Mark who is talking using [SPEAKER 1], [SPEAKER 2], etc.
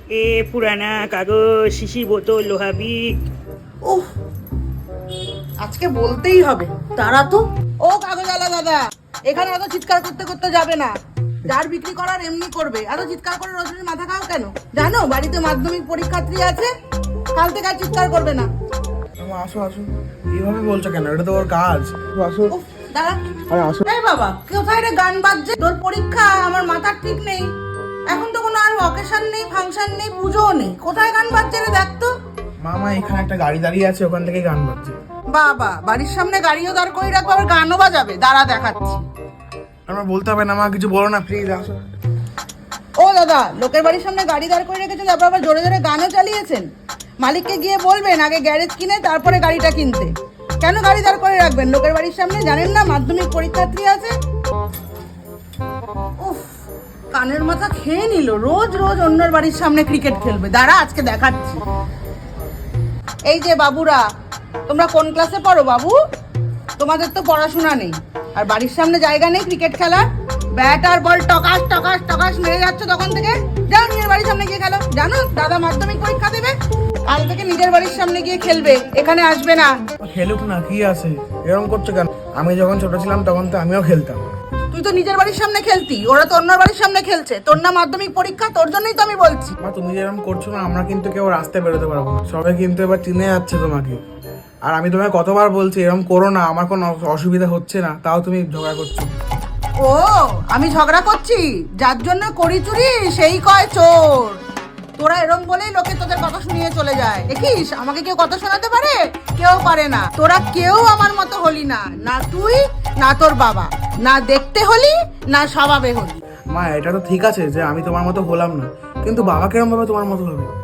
[SPEAKER 1] এ পুরানা কাগজ, শিশি বোতল, লোহা বিক।
[SPEAKER 2] উফ, আজকে বলতেই হবে। তারা তো ও কাগজওয়ালা দাদা, এখানে এত চিৎকার করতে করতে যাবে না। যার বিক্রি করার এমনি করবে। এত চিৎকার করে রজনীর মাথা খাও কেন? জানো বাড়িতে মাধ্যমিক পরীক্ষার্থী আছে, কাল থেকে আর চিৎকার করবে না।
[SPEAKER 3] আসো আসো, এইভাবে বলছো কেন? এটা তো ওর কাজ। আসো।
[SPEAKER 2] উফ, দাঁড়া।
[SPEAKER 3] আরে আসো।
[SPEAKER 2] এই বাবা, কোথায় রে গান বাজছে? তোর পরীক্ষা, আমার মাথার ঠিক নেই। এখন তো কোনো আর অকেশন নেই, ফাংশন নেই, পুজোও নেই। কোথায় গান বাজছে রে? দেখ তো।
[SPEAKER 3] মামা, এখানে একটা গাড়ি দাঁড়িয়ে আছে, ওখান থেকে গান বাজছে।
[SPEAKER 2] বাবা, বাড়ির সামনে গাড়িও দাঁড় করে রাখবো, আবার গানও বাজাবে? দাঁড়া দেখাচ্ছি।
[SPEAKER 3] আমার বলতে হবে না মা, কিছু বলো না প্লিজ, আসো।
[SPEAKER 2] ও দাদা, লোকের বাড়ির সামনে গাড়ি দাঁড় করে রেখেছেন, তারপর আবার জোরে জোরে গানও চালিয়েছেন। মালিককে গিয়ে বলবেন আগে গ্যারেজ কিনে তারপরে গাড়িটা কিনতে। কেন গাড়ি দাঁড় করে রাখবেন লোকের বাড়ির সামনে? জানেন না মাধ্যমিক পরীক্ষার্থী আছে? উফ, কানের মাথা খেয়ে নিল। রোজ রোজ অন্যের বাড়ির সামনে ক্রিকেট খেলবে। দাঁড়া, আজকে দেখাচ্ছি। এই যে বাবুরা, তোমরা কোন ক্লাসে পড়ো বাবু? তোমাদের তো পড়াশোনা নেই, আর বাড়ির সামনে জায়গা নেই ক্রিকেট খেলার। ব্যাট আর বল টকাস টকাস টকাস মেরে যাচ্ছ তখন থেকে। যাও নিজের বাড়ির সামনে গিয়ে খেলো। জানো দাদা মাধ্যমিক পরীক্ষা দেবে, কাল থেকে নিজের বাড়ির সামনে গিয়ে খেলবে, এখানে আসবে না।
[SPEAKER 3] খেলুক না, কি আছে? এরকম করছো কেন? আমি যখন ছোট ছিলাম তখন তো আমিও খেলতাম।
[SPEAKER 2] তুই তো নিজের বাড়ির সামনে খেলতি, ওরা তো অন্যের বাড়ির সামনে খেলছে। তোর না মাধ্যমিক পরীক্ষা, তোর জন্যই তো আমি বলছি।
[SPEAKER 3] মা, তুমি যেরকম করছো না, আমরা কিন্তু কেউ রাস্তায় বেরোতে পারবো না। সবাই কিন্তু এবার চিনে যাচ্ছে তোমাকে। আর আমি তোমাকে কতবার বলছি এরকম করো না, আমার কোনো অসুবিধা হচ্ছে না, তাও তুমি ঝগড়া করছো।
[SPEAKER 2] ও, আমি ঝগড়া করছি? যার জন্য করি চুরি সেই কয় চোর। তোরা এরম বলেই লোকে তোদের কথা শুনিয়ে চলে যায়। দেখিস, আমাকে কেউ কথা শোনাতে পারে? কেউ পারে না। তোরা কেউ আমার মতো হলি না, না তুই না তোর বাবা। না দেখতে হলি, না স্বভাবে হলি।
[SPEAKER 3] মা, এটা তো ঠিক আছে যে আমি তোমার মতো হলাম না, কিন্তু বাবা কেরম ভাবে তোমার মতো হবে?